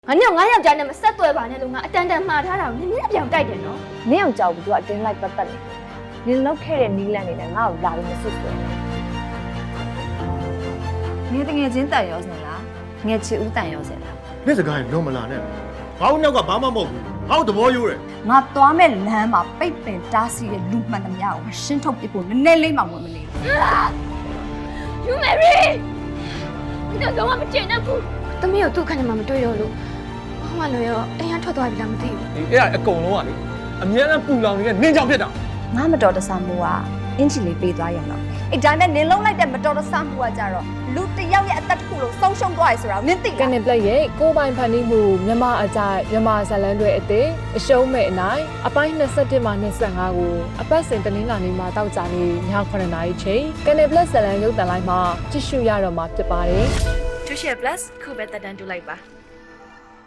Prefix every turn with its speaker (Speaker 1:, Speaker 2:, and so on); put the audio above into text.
Speaker 1: ငါနဲ့ငါယောက်ျားနဲ့မဆက်သွဲပါနဲ့လို့ငါအတန်တန်မှားထားတာကိုနင်းအပြောင်တိုက်တယ်နော်
Speaker 2: နင့်အောင်ကြောက်ပြီးသူကအတင်းလိုက်ပတ်သက်နေနင်လောက်ခဲ့တဲ့နီးလန့်နေနဲ့ငါ့ကိုလာပြီးမဆွဆွဲနေငယ်ချင်းတန်ရောစင်လားငယ်ချစ်ဦးတန်ရောစင်လား
Speaker 3: နေ့စကားရင်လုံးမလာနဲ့ငါ့နောက်ကဘာမှမဟုတ်ဘူးငါ့သဘောရိုးတယ်
Speaker 4: ငါသွားမဲ့လမ်းမှာပိတ်ပင်တားဆီးတဲ့လူမှန်သမျှကိုရှင်းထုတ်ပြဖို့နည်းနည်းလေးမှဝင်မနေဘူး
Speaker 1: You Mary ဒီတော့မကျင်တဲ့ဘူးသမီးကိုသူ့ခဏမှမတွေ့တော့လို့ဘာမှလည်းရောအိမ်ကထွက်သွားပြီလားမသိဘူး
Speaker 5: ဒီအဲ့ဒါအကုန်လုံးကလေအများနဲ့ပူလောင်နေတဲ့နင်းကြောင်ဖြစ်တာ
Speaker 2: ငါမတော်တဆမှုကအင်ချီလေးပေးသွားရအောင်အဲ့ဒါနဲ့နင်လုံးလိုက်တဲ့မတော်တဆမှုကကြတော့လူတစ်ယောက်ရဲ့အသက်တစ်ခုလုံးဆုံးရှုံးသွားရဆိုတာနင်သိ
Speaker 6: က
Speaker 2: လား
Speaker 6: နစ်ပလက်ရဲ့ကိုပိုင်ဖန်တီးမှုမြန်မာအကြိုက်မြန်မာဇလန်တွေအသေးအရှုံးမဲ့အနိုင်အပိုင်း21မှ25ကိုအပတ်စဉ်တင်းလာနေမှာတောက်ကြနေည9:00နာရီချိန်ကနစ်ပလက်ဇလန်ရုပ်သံလိုက်မှာကြည့်ရှုရတော့မှာဖြစ်ပါတယ်
Speaker 7: Tuition Plus ခုပဲတက်တန်းတူလိုက်ပါ